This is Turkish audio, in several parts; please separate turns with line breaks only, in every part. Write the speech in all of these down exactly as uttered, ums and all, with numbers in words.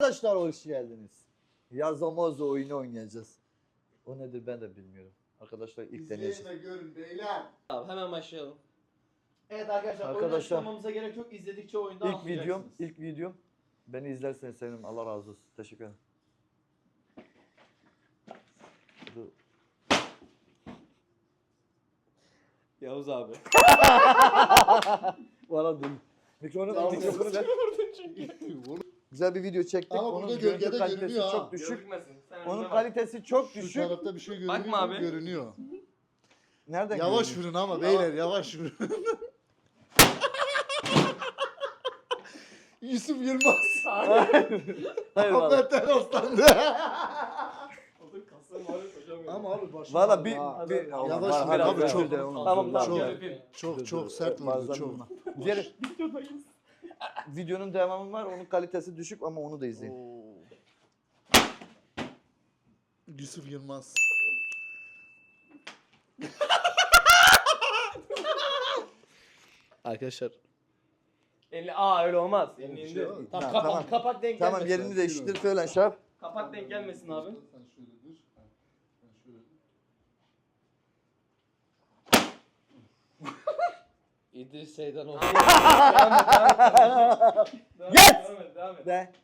Arkadaşlar hoş geldiniz. Yazamoz oyunu oynayacağız. O nedir ben de bilmiyorum. Arkadaşlar ilk deneyeceğiz.
İzleyin ve görün beyler.
Abi hemen başlayalım.
Evet arkadaşlar,
Arkadaşlar,
oyunu açıklamamıza gerek yok. İzledikçe oyunda
İlk videom,
anlayacaksınız.
ilk videom. Beni izlerseniz sevinirim. Allah razı olsun. Teşekkür ederim. Dur.
Yavuz abi.
Bana dur. Mikrofonu,
Tamam,
mikrofonu ver. Güzel bir video çektik.
Ama
Onun
burada
görüntü
gölgede
kalitesi
görünüyor ha.
çok düşük.
Gözükmesin. Sen
Onun
önüne bak.
kalitesi çok
Şu
düşük.
tarafta bir şey görünüyor.
Bakma abi.
Görünüyor.
Nereden
Yavaş
görünüyor?
vurun ama beyler yavaş vurun. Yusuf Yılmaz.
Hayır valla.
Ahmet Eroslan'dı.
Otur kasım var hocam ya.
Ama abi başım
Valla
ağrıyor
bir,
ha.
bir
Yavaş
Var,
vur
hadi
abi,
ver,
çok-
ver, onu.
Tamam
Dur,
tamam
dur,
gel
çok-
öpeyim.
Çok
dur,
çok
dur.
sert vurdu
Bazen
çok.
vurma. Diğer videonun devamı var. Onun kalitesi düşük ama onu da izleyin.
Yusuf Yılmaz.
Arkadaşlar.
Elini aa öyle olmaz. Elini
Öyle bir
indir.
şey yok.
Tamam,
Tamam,
kapak,
tamam.
kapak denk
Tamam
gelmesin.
yerini değiştir falan şey yap.
Kapak denk gelmesin abi.
Sen şöyle dur. Sen şöyle dur.
İdris Seydan olsun.
Devam et devam et. Devam et,
Yes!
Devam et devam et.
Ve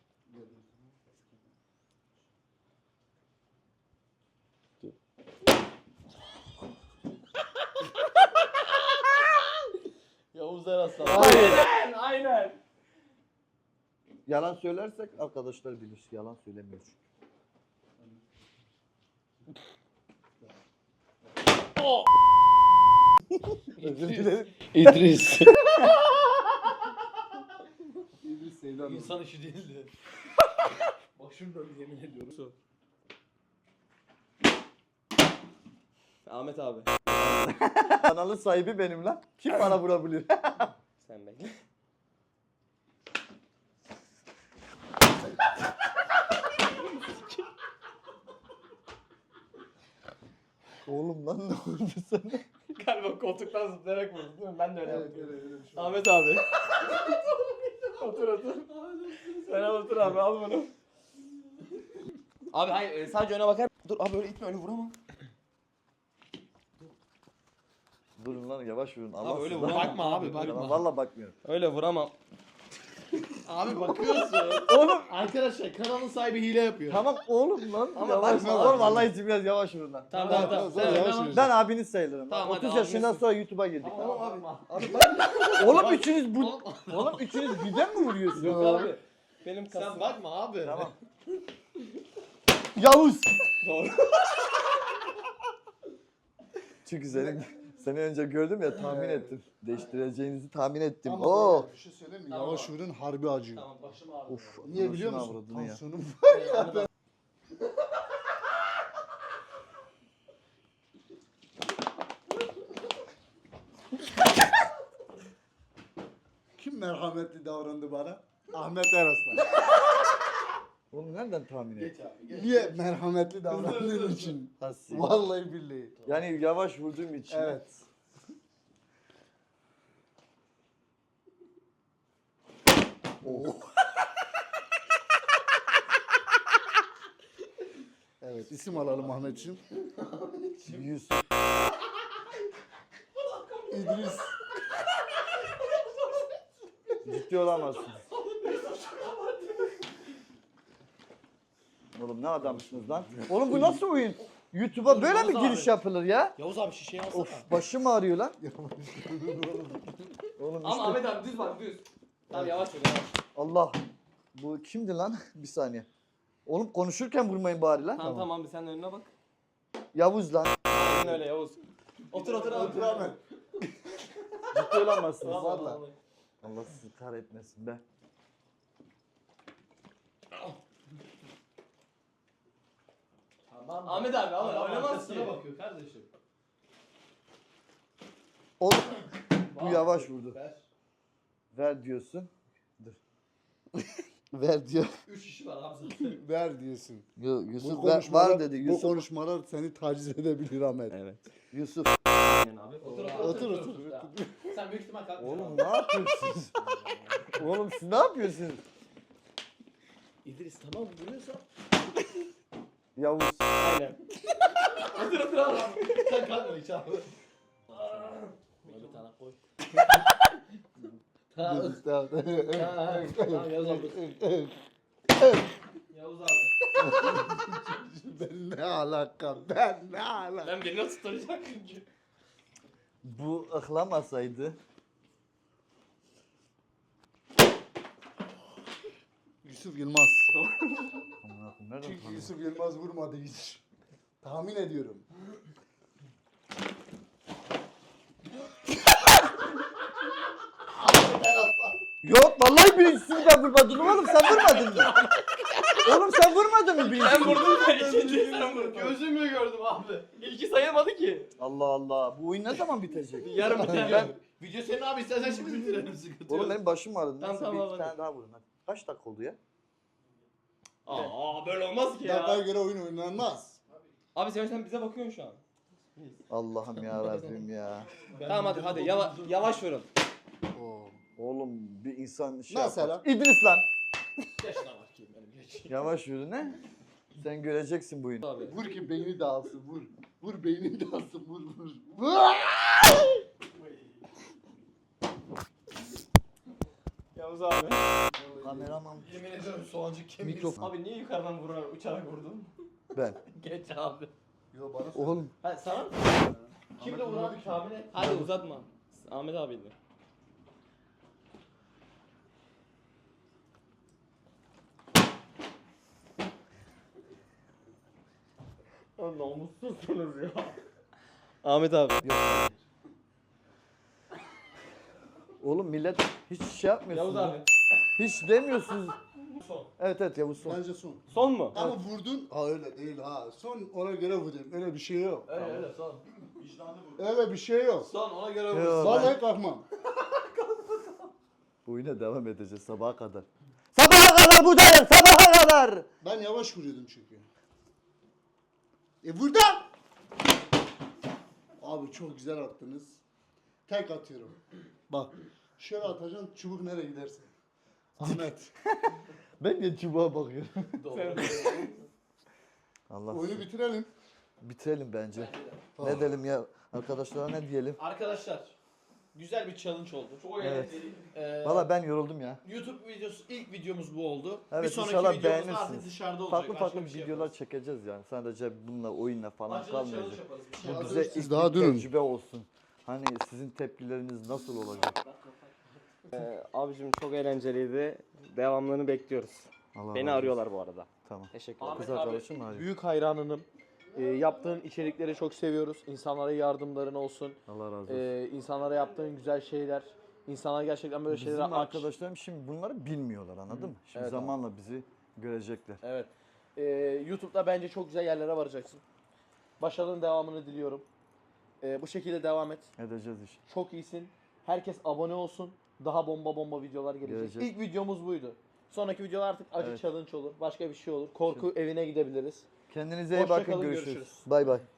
Yavuz Eraslan.
Aynen aynen.
yalan söylersek arkadaşlar bilir. Yalan söylemiyor çünkü. Özür dilerim.
İdris.
İdris Seydan.
İnsan işi değildi. Başım döndü yemin ediyorum.
Ahmet abi.
Kanalın sahibi benim lan. Kim bana vurabilir?
Sen bekle.
Oğlum lan ne oldu sana?
Galiba koltuktan zıplayarak vurdu değil mi? Ben de öyle
Evet
yaptım.
öyle öyle bir şey.
Ahmet abi. otur otur. Sen al otur abi al bunu. Abi hayır e, sadece öne bakar. Dur abi öyle itme öyle vuramam.
Durun lan yavaş vurun. Allah
öyle
sizden-
vurma.
Bakma abi, bakma.
Tamam, Valla bakmıyorum.
Öyle vuramam.
Abi bakıyorsun.
Oğlum
Arkadaşlar kanalın sahibi hile yapıyor.
tamam oğlum lan.
Ama
yavaş
bakma
vur. Oğlum
bak.
Allah için biraz yavaş vurun lan.
Tamam
Tamam,
tamam tamam.
tamam,
Sen
yavaş
öyle
yürü.
Ben abiniz sayılırım.
Tamam, hadi
otuz yaşından
abiniz.
sonra YouTube'a girdik.
Tamam abi.
Abi ben... Oğlum üçünüz bu... Oğlum üçünüz birden mi vuruyorsunuz?
Yok abi. Benim
Sen
kasım.
bakma abi.
Tamam. Yavuz.
Doğru.
Çünkü seni, seni önce gördüm ya tahmin
Evet.
ettim. Değiştireceğinizi tahmin ettim.
Ama
Oo.
beyler, bir şey söyleyeyim mi?
Tamam
Yavaş
abi.
vurun harbi acıyor.
Tamam başım ağrıyor.
Of.
Niye biliyor
anasını
musun?
avradını ya.
Tansiyonum
Ahmet abi.
Kim merhametli davrandı bana? Ahmet Eraslan.
Oğlum nereden tahmin
Geç
ettin?
abi. Geç.
Niye merhametli davrandığın için?
Hassi.
Vallahi billahi.
Yani yavaş vurduğum için.
Evet. Oh. Evet, isim alalım Ahmetciğim.
Yüz.
İdris.
Ciddi olamazsın. Oğlum ne adamsınız lan? Oğlum bu nasıl oyun? YouTube'a böyle mi
Yavuz
giriş
abi.
yapılır ya?
Yavuz abi şişeyi alsana.
Of başım ağrıyor lan. Oğlum
Ama
işte
Ahmet abi düz bak düz. Tamam yavaş ol yavaş.
Allah. Bu kimdi lan? Bir saniye. Oğlum konuşurken vurmayın bari lan.
Tamam tamam abi sen de önüne bak.
Yavuz lan.
Aynen öyle Yavuz. Otur otur abi.
Otur Ahmet.
Ciddi olamazsınız.
Vallahi,
Vallahi.
vallahi.
Allah sizi kahretmesin be.
Tamam.
Ahmet abi ama
Adam
oynamaz
arkasına
ki.
bakıyor kardeşim.
Oğlum bu
Bak.
yavaş vurdu.
Ver.
Ver diyorsun. Dur. Ver diyor.
Üç kişi var abi zaten.
Ver diyorsun.
Yo,
Bu
Yusuf ver,
konuşmalar,
var dedi.
bu
Yusuf.
konuşmalar seni taciz edebilir Ahmet.
Evet.
Yusuf.
Aynen abi.
Otur
Otur,
otur
otur,
otur.
otur.
Tamam. Sen büyük ihtimal kalkmayacaksın.
Oğlum ne yapıyorsunuz? Oğlum siz ne yapıyorsunuz?
İdris tamam vuruyorsan.
Yavuz.
Aynen.
Otur otur abi. Sen kalkma hiç abi. Buna bir tane koy. Tamam.
Tamam.
Tamam Yavuz abi. Yavuz abi.
Ben ne alaka? Ben ne alaka?
Ben beni nasıl tutacak çünkü.
Bu ıhlamasaydı.
Yusuf Yılmaz.
Aman Allah'ım, nereden
Çünkü
tanıdın?
Yusuf Yılmaz vurmadı hiç. Tahmin ediyorum.
Yok vallahi birincisini ben vurmadım oğlum, sen vurmadın mı? Oğlum sen vurmadın mı
Ben
birincisini?
vurdum ben ikinciyi sen vurdun.
Gözümle gördüm abi.
İlki sayılmadı ki.
Allah Allah, bu oyun ne zaman bitecek?
Yarım biter.
Ben video senin abi istersen şimdi bitirelim sıkıntı
Oğlum
yok.
benim başım ağrıdı.
Tamam,
Neyse
tamam,
bir
hadi.
tane daha vurun hadi. Kaç dakika oldu ya?
Aa böyle olmaz ki
Dakikaya
ya.
göre oyun oynanmaz.
Abi sen, sen bize bakıyorsun şu an.
Allah'ım ya Rabbim ya.
Tamam hadi hadi yava, yavaş vurun.
Oo.
Oğlum bir insan şey
Mesela?
yapar. İdris lan.
Geç lan bakayım benim geç.
Yavaş yürü ne? Sen göreceksin bu oyunu.
Abi.
Vur ki beyni dağılsın vur. Vur beyni dağılsın vur vur. Vur.
Yavuz abi.
Kameraman.
Yemin ediyorum soğancık kemiği.
Mikrofon.
Abi niye yukarıdan vurarak uçarak vurdun?
Ben.
Geç abi.
Yo bana
Oğlum
Ha sana mı?
Kimde vuran tahmin et.
Hadi uzatma. Ahmet abiydi. Ya namussuzsunuz ya. Ahmet abi.
oğlum millet hiç şey yapmıyorsunuz.
Yavuz abi.
Hiç demiyorsunuz.
Son.
Evet evet Yavuz son.
Bence son.
Son mu?
Ama vurdun. Ha öyle değil ha. Son ona göre vurdum. Öyle bir şey yok.
Öyle öyle son. Vicdanlı bu.
Öyle bir şey yok.
Son ona göre
Yo,
vursun.
Vallahi kalkmam.
Bu oyuna devam edeceğiz sabaha kadar. Sabaha kadar buradayım, sabaha kadar.
Ben yavaş vuruyordum çünkü. E burada. Abi çok güzel attınız. Tek atıyorum. Bak. Şöyle atacaksın çubuk nereye giderse. Ahmet.
Ben de çubuğa bakıyorum.
Doğru.
Allah.
Oyunu bitirelim.
Bitirelim bence.
Tamam.
Ne diyelim ya arkadaşlara, ne diyelim?
Arkadaşlar güzel bir challenge oldu. Çok
Evet.
eğlenceli. Ee,
Valla ben yoruldum ya.
YouTube videosu ilk videomuz bu oldu.
Evet,
bir sonraki
inşallah
videomuz
beğenirsiniz.
artık dışarıda olacak.
Farklı
Başka
farklı
bir şey
videolar
yaparız.
çekeceğiz yani. Sadece bununla, oyunla falan
Acılı challenge
kalmayacak.
yaparız. Bir şey
Bu
Ya
bize
siz
ilk
daha
bir
durun.
tecrübe olsun. Hani sizin tepkileriniz nasıl olacak?
Ee, abicim çok eğlenceliydi. Devamlarını bekliyoruz.
Allah
Beni
razı
arıyorlar bu arada.
olsun. Tamam.
Teşekkür
Ahmet
Kız
abi,
arkadaşım mı arıyor?
Büyük hayranınım. Ee, yaptığın içerikleri çok seviyoruz. İnsanlara yardımların olsun.
Allah razı olsun.
Ee, insanlara yaptığın güzel şeyler. İnsanlar gerçekten böyle
Bizim
şeylere aç.
arkadaşlarım şimdi bunları bilmiyorlar, anladın mı? Şimdi
Evet,
zamanla bizi görecekler.
Evet. Ee, YouTube'da bence çok güzel yerlere varacaksın. Başarının devamını diliyorum. Ee, bu şekilde devam et.
Edeceğiz iş.
Çok iyisin. Herkes abone olsun. Daha bomba bomba videolar gelecek.
Gelecek.
İlk videomuz buydu. Sonraki videolar artık acı
Evet.
challenge olur. Başka bir şey olur. Korku evine gidebiliriz.
Kendinize iyi
Hoşça
bakın,
kalın,
görüşürüz.
görüşürüz.
Bay bay.